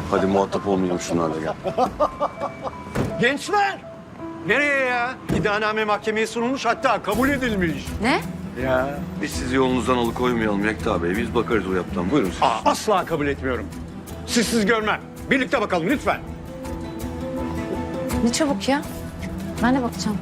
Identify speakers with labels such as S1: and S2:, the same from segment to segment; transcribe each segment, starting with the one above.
S1: Hadi muhatap olmayalım şunlarla gel.
S2: Gençler! Nereye ya? İddianame mahkemeye sunulmuş, hatta kabul edilmiş.
S3: Ne?
S2: Ya.
S1: Biz sizi yolunuzdan alıkoymayalım Yekta Bey. Biz bakarız o yaptan. Buyurun siz.
S2: Asla kabul etmiyorum. Sizsiz görmem. Birlikte bakalım lütfen.
S3: Ne çabuk ya. Ben de bakacağım.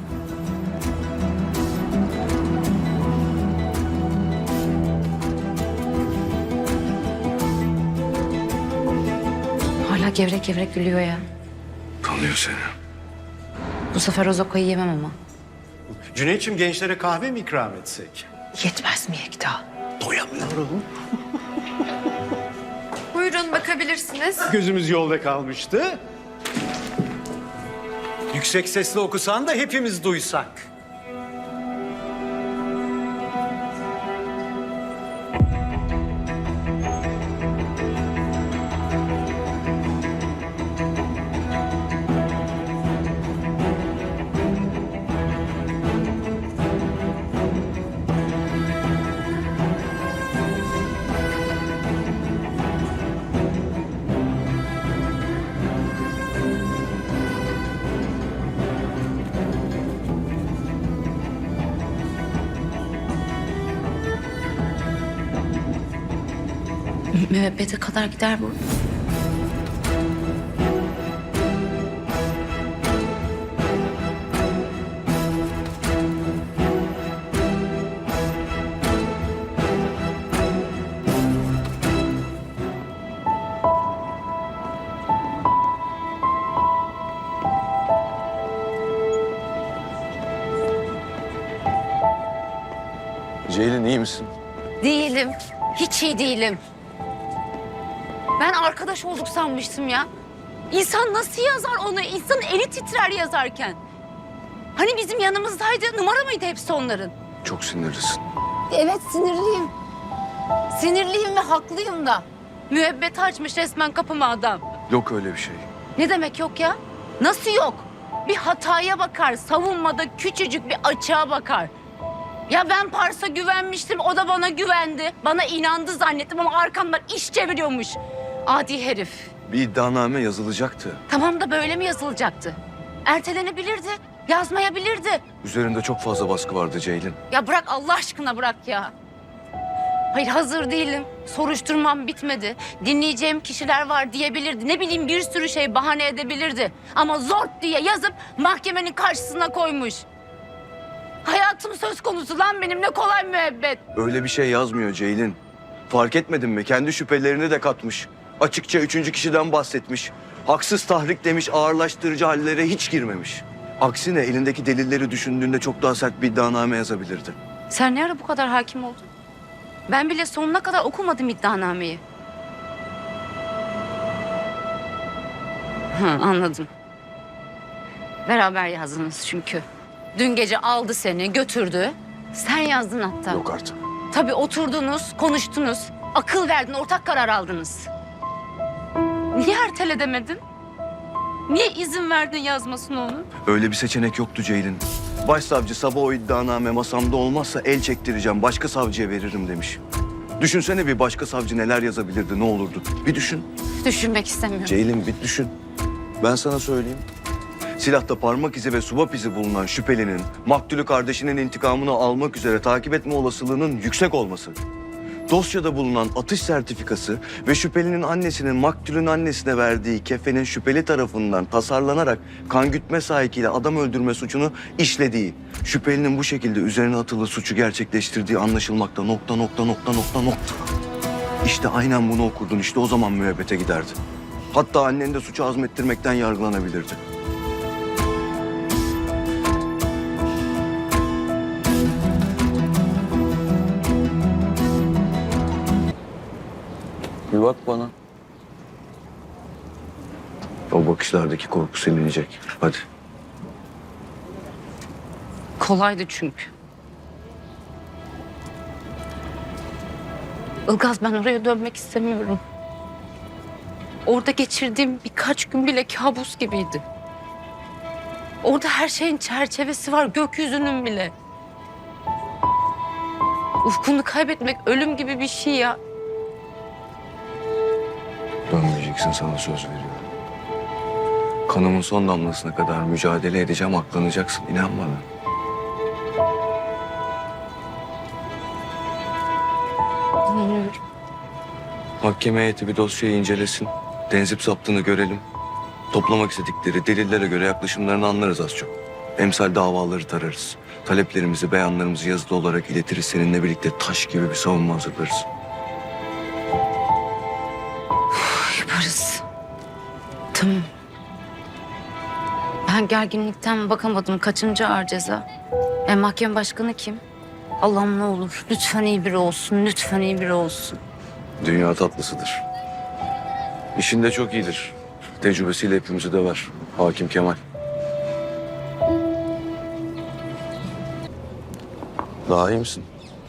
S3: Hala gevrek gevrek gülüyor ya.
S1: Tanıyor seni.
S3: Bu sefer o zokayı yemem ama.
S2: Cüneyt'ciğim, gençlere kahve mi ikram etsek?
S3: Yetmez mi Yekta?
S2: Doyamıyorum.
S4: Buyurun bakabilirsiniz.
S2: Gözümüz yolda kalmıştı. Yüksek sesle okusan da hepimiz duysak.
S3: Müebbete kadar gider bu.
S1: Ceylin iyi misin?
S3: Değilim. Hiç iyi değilim. Ben arkadaş olduk sanmıştım ya. İnsan nasıl yazar onu? İnsanın eli titrer yazarken. Hani bizim yanımızdaydı. Numara mıydı hepsi onların?
S1: Çok sinirlisin.
S3: Evet, sinirliyim. Sinirliyim ve haklıyım da. Müebbet açmış resmen kapıma adam.
S1: Yok öyle bir şey.
S3: Ne demek yok ya? Nasıl yok? Bir hataya bakar, savunmada küçücük bir açığa bakar. Ya ben Pars'a güvenmiştim, o da bana güvendi. Bana inandı zannettim ama arkamdan iş çeviriyormuş. Adi herif.
S1: Bir iddianame yazılacaktı.
S3: Tamam da böyle mi yazılacaktı? Ertelenebilirdi, yazmayabilirdi.
S1: Üzerinde çok fazla baskı vardı Ceylin.
S3: Ya bırak Allah aşkına bırak ya. Hayır hazır değilim. Soruşturmam bitmedi. Dinleyeceğim kişiler var diyebilirdi. Ne bileyim bir sürü şey bahane edebilirdi. Ama zort diye yazıp mahkemenin karşısına koymuş. Hayatım söz konusu lan benim, ne kolay müebbet.
S1: Öyle bir şey yazmıyor Ceylin. Fark etmedin mi? Kendi şüphelerini de katmış. Açıkça üçüncü kişiden bahsetmiş. Haksız tahrik demiş, ağırlaştırıcı hallere hiç girmemiş. Aksine elindeki delilleri düşündüğünde çok daha sert bir iddianame yazabilirdi.
S3: Sen ne ara bu kadar hakim oldun? Ben bile sonuna kadar okumadım iddianameyi. Anladım. Beraber yazdınız çünkü. Dün gece aldı seni, götürdü. Sen yazdın hatta.
S1: Yok artık.
S3: Tabii oturdunuz, konuştunuz. Akıl verdin, ortak karar aldınız. Niye ertele demedin? Niye izin verdin yazmasına onun?
S1: Öyle bir seçenek yoktu Ceylin. Başsavcı sabah o iddianame masamda olmazsa el çektireceğim, başka savcıya veririm demiş. Düşünsene bir başka savcı neler yazabilirdi, ne olurdu? Bir düşün.
S3: Düşünmek istemiyorum.
S1: Ceylin bir düşün. Ben sana söyleyeyim. Silahta parmak izi ve subap izi bulunan şüphelinin maktulü kardeşinin intikamını almak üzere takip etme olasılığının yüksek olması. Dosyada bulunan atış sertifikası ve şüphelinin annesinin maktulün annesine verdiği kefenin şüpheli tarafından tasarlanarak kan gütme sahikiyle adam öldürme suçunu işlediği. Şüphelinin bu şekilde üzerine atılı suçu gerçekleştirdiği anlaşılmakta nokta. İşte aynen bunu okurdun, işte o zaman müebbete giderdi. Hatta annen de suçu azmettirmekten yargılanabilirdi. Bir bak bana. O bakışlardaki korku silinecek. Hadi.
S3: Kolaydı çünkü. Ilgaz, ben oraya dönmek istemiyorum. Orada geçirdiğim birkaç gün bile kabus gibiydi. Orada her şeyin çerçevesi var, gökyüzünün bile. Ufkunu kaybetmek ölüm gibi bir şey ya.
S1: Dönmeyeceksin, sana söz veriyorum. Kanımın son damlasına kadar mücadele edeceğim, aklanacaksın. İnan bana.
S3: Dinliyorum.
S1: Mahkeme heyeti bir dosyayı incelesin. Tenzip zaptını görelim. Toplamak istedikleri delillere göre yaklaşımlarını anlarız az çok. Emsal davaları tararız. Taleplerimizi, beyanlarımızı yazılı olarak iletiriz. Seninle birlikte taş gibi bir savunma hazırlarız.
S3: Yaparız. Tamam. Ben gerginlikten bakamadım. Kaçıncı ağır ceza? Mahkeme başkanı kim? Allah'ım ne olur. Lütfen iyi biri olsun. Lütfen iyi biri olsun.
S1: Dünya tatlısıdır. İşinde çok iyidir. Tecrübesiyle hepimizi döver. Hakim Kemal. Daha iyi misin?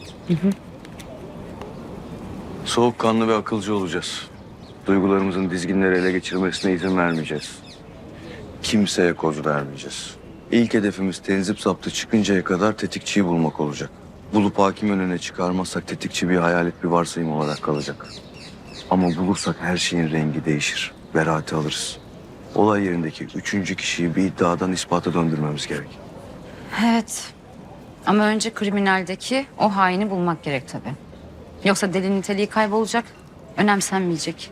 S1: Soğukkanlı ve akılcı olacağız. Duygularımızın dizginleri ele geçirmesine izin vermeyeceğiz. Kimseye koz vermeyeceğiz. İlk hedefimiz tenzip zaptı çıkıncaya kadar tetikçiyi bulmak olacak. Bulup hakim önüne çıkarmazsak tetikçi bir hayalet, bir varsayım olarak kalacak. Ama bulursak her şeyin rengi değişir. Beraati alırız. Olay yerindeki üçüncü kişiyi bir iddiadan ispata döndürmemiz gerek.
S3: Evet. Ama önce kriminaldeki o haini bulmak gerek tabii. Yoksa delil niteliği kaybolacak, önemsenmeyecek.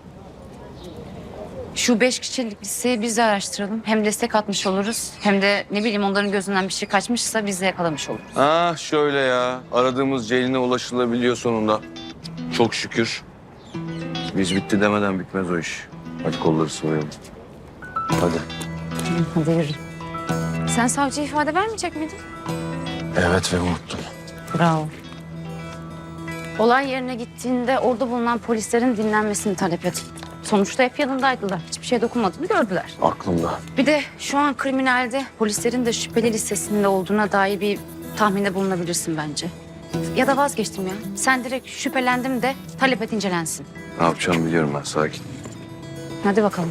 S3: Şu 5 kişilik listeyi biz de araştıralım. Hem destek atmış oluruz, hem de ne bileyim onların gözünden bir şey kaçmışsa biz de yakalamış oluruz.
S1: Ah şöyle ya. Aradığımız Ceylin'e ulaşılabiliyor sonunda. Çok şükür. Biz bitti demeden bitmez o iş. Hadi kolları sıvayalım. Hadi.
S3: Hadi yürü. Sen savcıya ifade vermeyecek miydin?
S1: Evet ve unuttum.
S3: Bravo. Olay yerine gittiğinde orada bulunan polislerin dinlenmesini talep et. Sonuçta hep yanındaydılar. Hiçbir şey dokunmadığını gördüler.
S1: Aklımda.
S3: Bir de şu an kriminalde polislerin de şüpheli listesinde olduğuna dair bir tahminde bulunabilirsin bence. Ya da vazgeçtim ya. Sen direkt şüphelendim de talep et incelensin.
S1: Ne yapacağımı biliyorum ben, sakin.
S3: Hadi bakalım.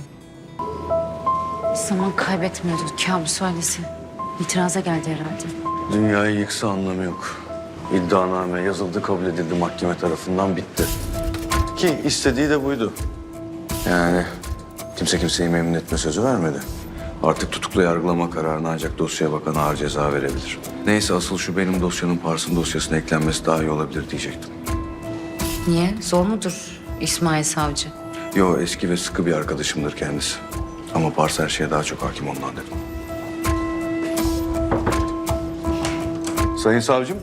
S3: Zaman kaybetmiyordu kabus ailesi. İtiraza geldi herhalde.
S1: Dünyayı yıksa anlamı yok. İddianame yazıldı, kabul edildi mahkeme tarafından, bitti. Ki istediği de buydu. Yani kimse kimseyi memnun etme sözü vermedi. Artık tutuklu yargılama kararına ancak dosyaya bakan ağır ceza verebilir. Neyse, asıl şu benim dosyanın Pars'ın dosyasına eklenmesi daha iyi olabilir diyecektim.
S3: Niye? Zor mudur İsmail Savcı?
S1: Yo, eski ve sıkı bir arkadaşımdır kendisi. Ama Pars her şeye daha çok hakim ondan dedim. Sayın savcım.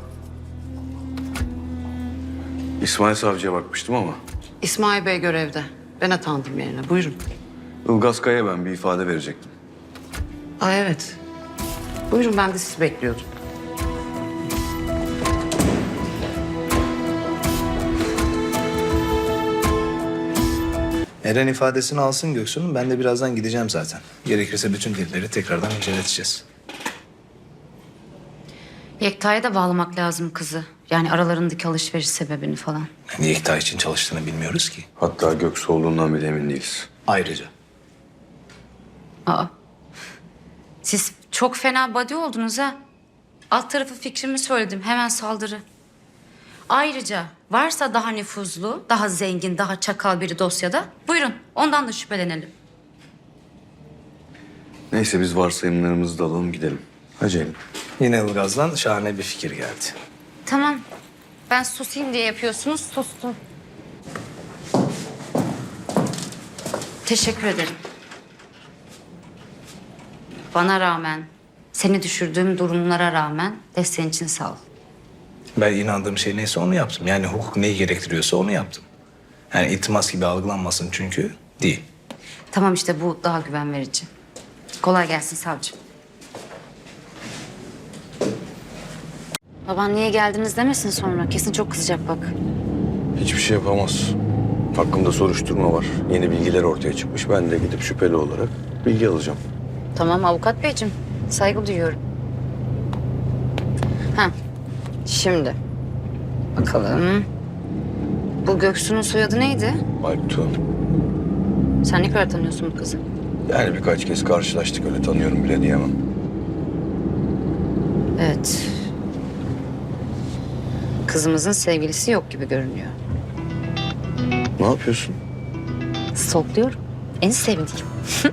S1: İsmail Savcı'ya bakmıştım ama
S5: İsmail Bey görevde. Ben atandım yerine. Buyurun.
S1: Ilgaz Kaya'ya ben bir ifade verecektim.
S5: Aa evet. Buyurun, ben de sizi bekliyordum.
S6: Eren ifadesini alsın Göksu'nun. Ben de birazdan gideceğim zaten. Gerekirse bütün delilleri tekrardan inceleteceğiz.
S3: Yekta'ya da bağlamak lazım kızı. Yani aralarındaki alışveriş sebebini falan.
S6: Yani Yekta için çalıştığını bilmiyoruz ki.
S1: Hatta Göksu olduğundan bile emin değiliz.
S6: Ayrıca.
S3: Aa. Siz çok fena body oldunuz ha. Alt tarafı fikrimi söyledim. Hemen saldırı. Ayrıca varsa daha nüfuzlu, daha zengin, daha çakal biri dosyada, buyurun ondan da şüphelenelim.
S1: Neyse, biz varsayımlarımızı da alalım gidelim. Hadi Ceylin.
S6: Yine Ilgaz'dan şahane bir fikir geldi.
S3: Tamam. Ben susayım diye yapıyorsunuz. Sustum. Teşekkür ederim. Bana rağmen, seni düşürdüğüm durumlara rağmen desteğin için sağ ol.
S6: Ben inandığım şey neyse onu yaptım. Yani hukuk neyi gerektiriyorsa onu yaptım. Yani iltimas gibi algılanmasın çünkü değil.
S3: Tamam işte bu daha güven verici. Kolay gelsin savcım. Baban niye geldiniz demesin sonra. Kesin çok kızacak bak.
S1: Hiçbir şey yapamaz. Hakkımda soruşturma var. Yeni bilgiler ortaya çıkmış. Ben de gidip şüpheli olarak bilgi alacağım.
S3: Tamam avukat beyciğim. Saygı duyuyorum. Ha, şimdi. Bakalım. Bu Göksu'nun soyadı neydi?
S1: Alptu.
S3: Sen ne kadar tanıyorsun bu kızı?
S1: Yani birkaç kez karşılaştık, öyle tanıyorum bile diyemem.
S3: Evet. Kızımızın sevgilisi yok gibi görünüyor.
S1: Ne yapıyorsun?
S5: Stalkluyorum. En sevdiğim.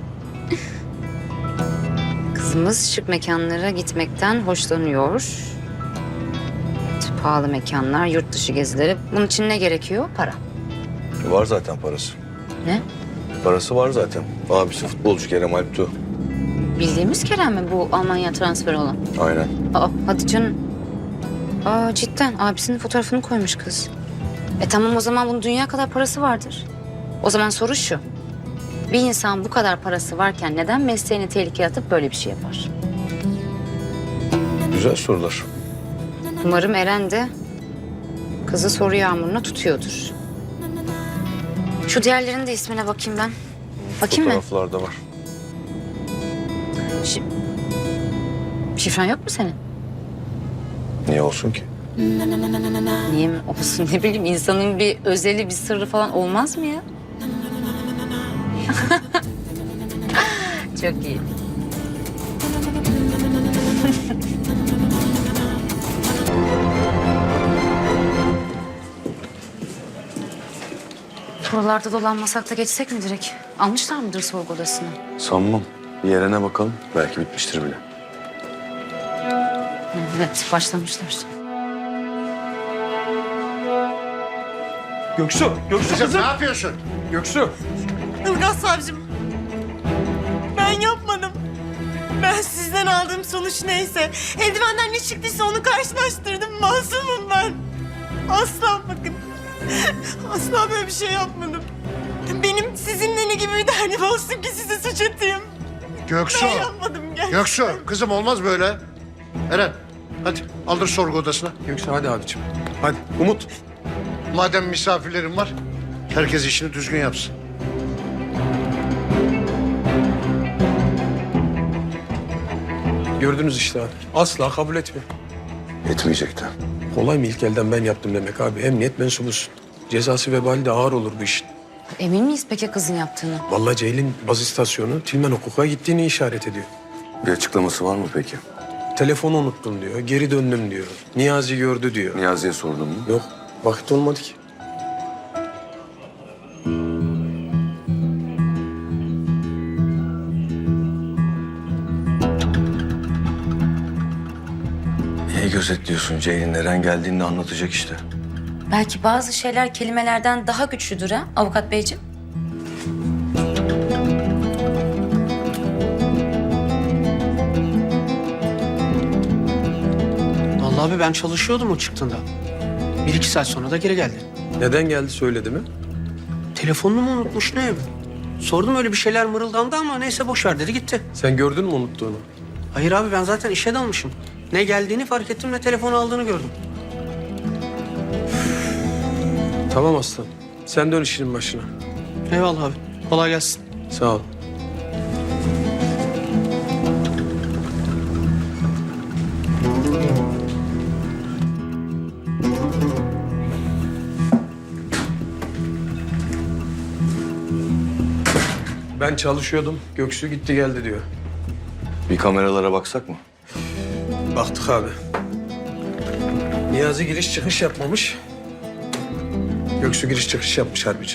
S5: Kızımız şık mekanlara gitmekten hoşlanıyor. Pahalı mekanlar, yurt dışı gezileri. Bunun için ne gerekiyor? Para.
S1: Var zaten parası.
S5: Ne?
S1: Parası var zaten. Abisi futbolcu Kerem Alptu.
S5: Bildiğimiz Kerem mi bu Almanya transferi olan?
S1: Aynen.
S5: Aa, hadi canım. Aa, cidden abisinin fotoğrafını koymuş kız. Tamam, o zaman bunun dünya kadar parası vardır. O zaman soru şu. Bir insan bu kadar parası varken neden mesleğini tehlikeye atıp böyle bir şey yapar?
S1: Güzel sorular.
S5: Umarım Eren de kızı soru yağmuruna tutuyordur. Şu diğerlerinin de ismine bakayım ben. Bakayım mı?
S1: Fotoğraflarda var.
S5: Şifren yok mu senin?
S1: Niye olsun ki?
S5: Niye mi olsun, ne bileyim, insanın bir özeli, bir sırrı falan olmaz mı ya? Çok iyi. Buralarda dolanmasak da geçsek mi direkt? Almışlar mıdır sorgu odasına?
S1: Sanmam. Bir yerine bakalım. Belki bitmiştir bile.
S5: Evet, başlamışlar.
S2: Göksu
S7: Kızım ne yapıyorsun?
S2: Göksu.
S8: Ilgaz savcım. Ben yapmadım. Ben sizden aldığım sonuç neyse. Eldivenden ne çıktıysa onu karşılaştırdım. Masumum ben. Asla bakın. Asla böyle bir şey yapmadım. Benim sizinle ne gibi bir derdim olsun ki size suç atayım.
S7: Göksu.
S8: Ben yapmadım gerçekten.
S7: Göksu kızım olmaz böyle. Eren hadi aldır sorgu odasına.
S2: Göksu hadi abiciğim. Hadi Umut.
S7: Madem misafirlerim var herkes işini düzgün yapsın.
S2: Gördünüz işte abi. Asla kabul etmiyor.
S1: Etmeyecekti.
S2: Kolay mı ilk elden ben yaptım demek abi? Emniyet mensubusun. Cezası vebali de ağır olur bu işin.
S5: Emin miyiz peki kızın yaptığını?
S2: Vallahi Ceylin baz istasyonu Tilmen Hukuk'a gittiğini işaret ediyor.
S1: Bir açıklaması var mı peki?
S2: Telefonu unuttum diyor, geri döndüm diyor. Niyazi gördü diyor.
S1: Niyazi'ye sordun mu?
S2: Yok, vakit olmadı ki.
S1: Niye gözetliyorsun Ceylin? Eren geldiğinde anlatacak işte.
S5: Belki bazı şeyler kelimelerden daha güçlüdür ha avukat beyciğim?
S9: Vallahi abi ben çalışıyordum o çıktığında. 1-2 saat sonra da geri geldi.
S2: Neden geldi söyledi mi?
S9: Telefonunu mu unutmuş ne? Sordum öyle bir şeyler mırıldandı ama neyse boş ver dedi gitti.
S2: Sen gördün mü unuttuğunu?
S9: Hayır abi ben zaten işe dalmışım. Ne geldiğini fark ettim ne telefonu aldığını gördüm.
S2: Tamam aslan. Sen dön işinin başına.
S9: Eyvallah abi. Kolay gelsin.
S2: Sağ ol. Ben çalışıyordum. Göksu gitti geldi diyor.
S1: Bir kameralara baksak mı?
S2: Baktık abi. Niyazi giriş çıkış yapmamış. Göksu giriş çıkış yapmış harbici.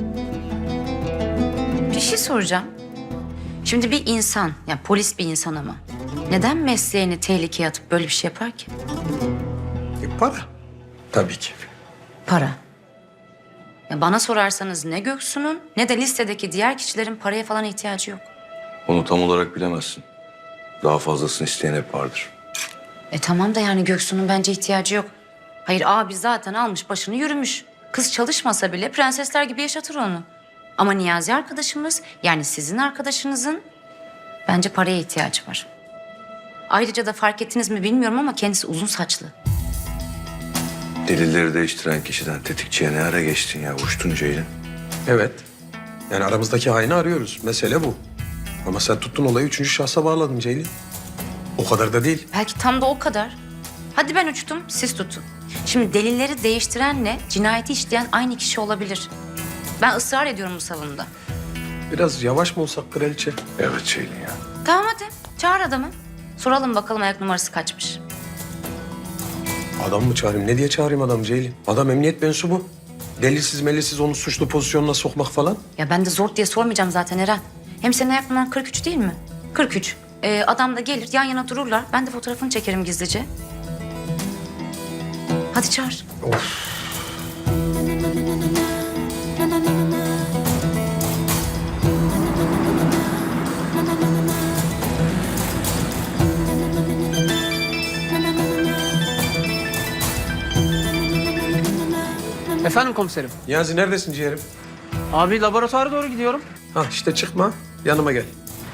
S5: Bir şey soracağım. Şimdi bir insan, yani polis bir insan ama neden mesleğini tehlikeye atıp böyle bir şey yapar ki?
S2: Para. Tabii ki.
S5: Para. Ya bana sorarsanız ne Göksu'nun ne de listedeki diğer kişilerin paraya falan ihtiyacı yok.
S1: Onu tam olarak bilemezsin. Daha fazlasını isteyen hep vardır.
S5: Tamam da yani Göksu'nun bence ihtiyacı yok. Hayır abi zaten almış başını yürümüş. Kız çalışmasa bile prensesler gibi yaşatır onu. Ama Niyazi arkadaşımız, yani sizin arkadaşınızın bence paraya ihtiyacı var. Ayrıca da fark ettiniz mi bilmiyorum ama kendisi uzun saçlı.
S1: Delilleri değiştiren kişiden tetikçiye ne ara geçtin ya? Uçtun Ceylin.
S2: Evet. Yani aramızdaki haini arıyoruz. Mesele bu. Ama sen tuttun olayı üçüncü şahsa bağladın Ceylin. O kadar da değil.
S5: Belki tam da o kadar. Hadi ben uçtum, siz tutun. Şimdi delilleri değiştirenle cinayeti işleyen aynı kişi olabilir. Ben ısrar ediyorum bu savunumda.
S2: Biraz yavaş mı olsak kraliçe?
S1: Evet Ceylin ya.
S5: Tamam hadi, çağır adamı. Soralım bakalım ayak numarası kaçmış.
S2: Adam mı çağırayım? Ne diye çağırayım adam Ceylin? Adam emniyet mensubu. delilsiz melilsiz onu suçlu pozisyonuna sokmak falan.
S5: Ya ben de zor diye sormayacağım zaten Eren. Hem senin ayak numaran 43 değil mi? 43. Adam da gelir yan yana dururlar. Ben de fotoğrafını çekerim gizlice. Hadi çağır.
S9: Efendim komiserim.
S2: Niyazi neredesin ciğerim?
S9: Abi laboratuvara doğru gidiyorum.
S2: Ha işte çıkma yanıma gel.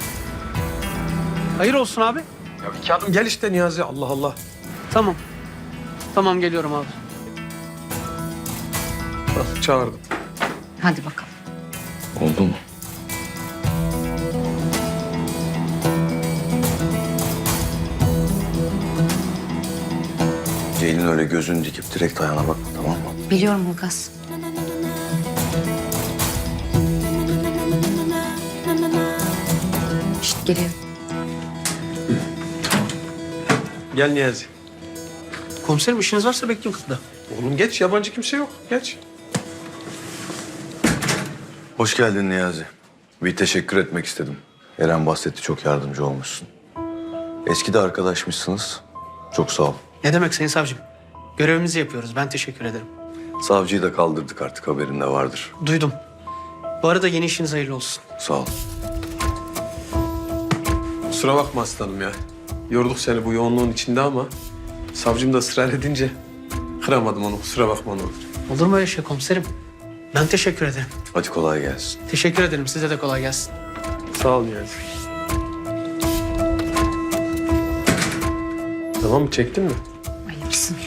S9: Hayır olsun abi.
S2: Ya iki adım gel işte Niyazi Allah Allah.
S9: Tamam. Tamam geliyorum abi.
S2: Bak çağırdım.
S5: Hadi bakalım.
S1: Oldu mu? Ceylin öyle gözünü dikip direkt ayağına bakma, tamam mı?
S5: Biliyorum Ulgaz. Şşt geliyor.
S2: Gel Niyazi.
S9: Komiserim işiniz varsa bekliyorum kapıda.
S2: Oğlum geç yabancı kimse yok geç.
S1: Hoş geldin Niyazi. Bir teşekkür etmek istedim. Eren bahsetti, çok yardımcı olmuşsun. Eski de arkadaşmışsınız. Çok sağ ol.
S9: Ne demek sayın savcım? Görevimizi yapıyoruz. Ben teşekkür ederim.
S1: Savcıyı da kaldırdık artık, haberin de vardır.
S9: Duydum. Bu arada yeni işiniz hayırlı olsun.
S1: Sağ ol.
S2: Kusura bakma aslanım ya. Yorduk seni bu yoğunluğun içinde ama savcım da ısrar edince kıramadım onu. Kusura bakma ne olur.
S9: Olur mu öyle şey komiserim? Ben teşekkür ederim.
S1: Hadi kolay gelsin.
S9: Teşekkür ederim. Size de kolay gelsin.
S2: Sağ ol Niyazi. Tamam mı çektin mi?
S5: Ayıpsın.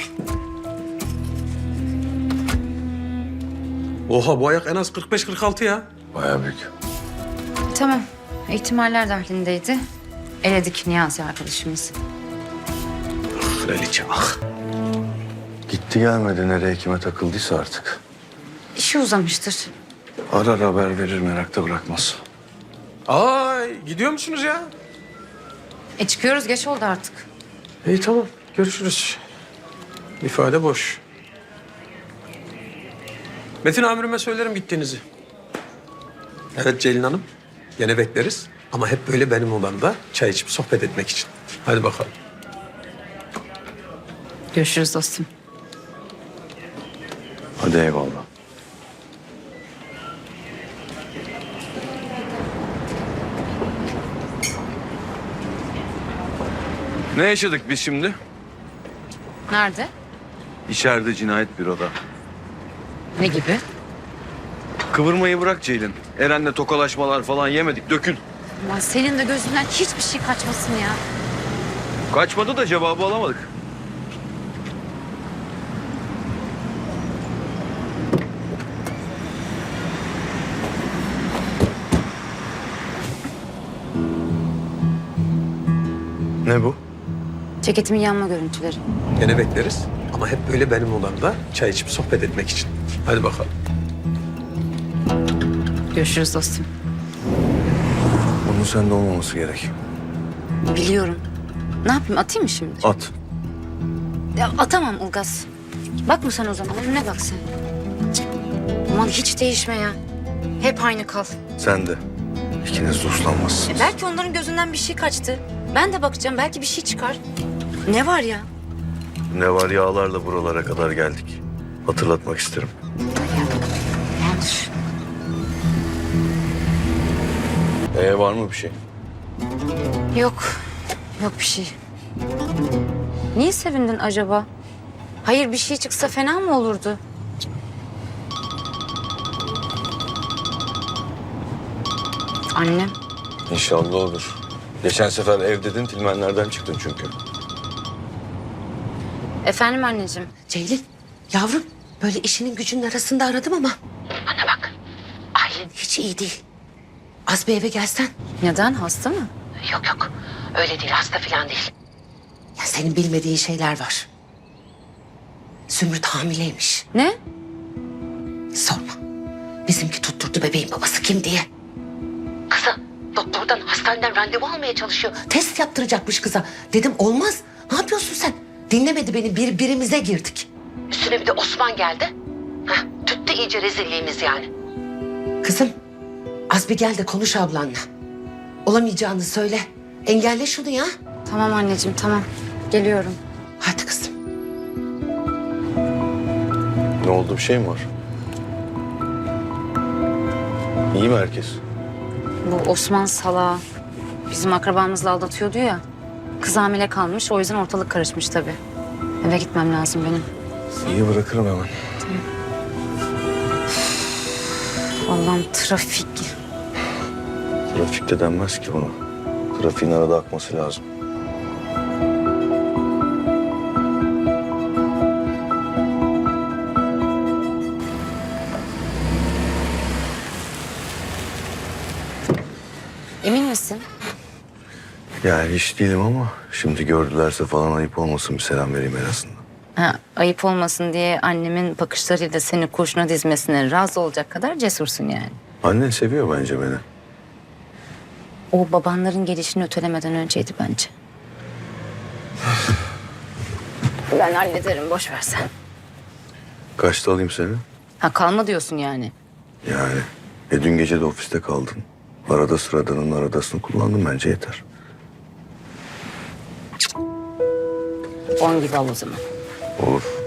S2: Oha bu ayak en az 45-46 ya.
S1: Bayağı büyük.
S5: Tamam. İhtimaller dahilindeydi. Eledik Niyazi arkadaşımızı.
S2: Kraliçe ah.
S1: Gitti gelmedi, nereye kime takıldıysa artık.
S5: İşi uzamıştır.
S1: Arar haber verir, merakta bırakmaz.
S2: Ay gidiyor musunuz ya?
S5: Çıkıyoruz geç oldu artık.
S2: İyi tamam görüşürüz. İfade boş. Metin amirime söylerim gittiğinizi. Evet Ceylin Hanım. Gene bekleriz. Ama hep böyle benim odamda çay içip sohbet etmek için. Hadi bakalım.
S5: Görüşürüz dostum.
S1: Hadi eyvallah. Ne yaşadık biz şimdi?
S5: Nerede?
S1: İçeride cinayet büroda.
S5: Ne gibi?
S1: Kıvırmayı bırak Ceylin. Eren'le tokalaşmalar falan yemedik, dökül.
S5: Aman senin de gözünden hiçbir şey kaçmasın ya.
S1: Kaçmadı da cevabı alamadık. Ne bu?
S5: Ceketimin yanma görüntüleri.
S2: Gene bekleriz. Ama hep böyle benim odamda çay içip sohbet etmek için. Hadi bakalım.
S5: Görüşürüz dostum.
S1: Bunun sende olmaması gerek.
S5: Biliyorum. Ne yapayım atayım mı şimdi?
S1: At.
S5: Ya atamam Ulgaz. Bakma sen o zaman önüne bak sen. Cık. Aman hiç değişme ya. Hep aynı kal.
S1: Sen de. İkiniz de uslanmazsınız.
S5: Belki onların gözünden bir şey kaçtı. Ben de bakacağım belki bir şey çıkar. Ne var ya?
S1: Ne var, yağlarla buralara kadar geldik. Hatırlatmak isterim.
S5: Yanlış.
S1: Var mı bir şey?
S5: Yok. Yok bir şey. Niye sevindin acaba? Hayır bir şey çıksa fena mı olurdu? Annem.
S1: İnşallah olur. Geçen sefer ev dedin, Tilmenlerden çıktın çünkü.
S5: Efendim anneciğim.
S10: Ceylin, yavrum böyle işinin gücünün arasında aradım ama... Bana bak, ailen hiç iyi değil. Az bir eve gelsen.
S5: Neden? Hasta mı?
S10: Yok yok, öyle değil, hasta falan değil. Ya senin bilmediğin şeyler var. Zümrüt hamileymiş.
S5: Ne?
S10: Sorma. Bizimki tutturdu bebeğin babası kim diye. Kıza doktordan, hastaneden randevu almaya çalışıyor. Test yaptıracakmış kıza. Dedim olmaz. Ne yapıyorsun sen? Dinlemedi beni, birbirimize girdik. Üstüne bir de Osman geldi. Hah, tüttü iyice rezilliğimiz yani. Kızım, az bir gel de konuş ablanla. Olamayacağını söyle. Engelle şunu ya.
S5: Tamam anneciğim tamam. Geliyorum.
S10: Hadi kızım.
S1: Ne oldu, bir şey mi var? İyi mi herkes?
S5: Bu Osman salağı bizim akrabamızla aldatıyordu ya. Kız hamile kalmış, o yüzden ortalık karışmış tabii. Eve gitmem lazım benim.
S1: İyi, bırakırım hemen.
S5: Allah'ım trafik.
S1: Trafikte denmez ki buna. Trafiğin arada akması lazım.
S5: Emin misin?
S1: Yani hiç değilim ama şimdi gördülerse falan ayıp olmasın, bir selam vereyim en azından.
S5: Ha, ayıp olmasın diye annemin bakışlarıyla seni kurşuna dizmesine razı olacak kadar cesursun yani.
S1: Annen seviyor bence beni.
S5: O babanların gelişini ötelemeden önceydi bence. Ben hallederim, boş ver sen.
S1: Kaçta alayım seni?
S5: Ha kalma diyorsun yani.
S1: Yani dün gece de ofiste kaldın. Arada sıradanın aradasını kullandım, bence yeter.
S5: 10 gibi al o zaman.
S1: Olur.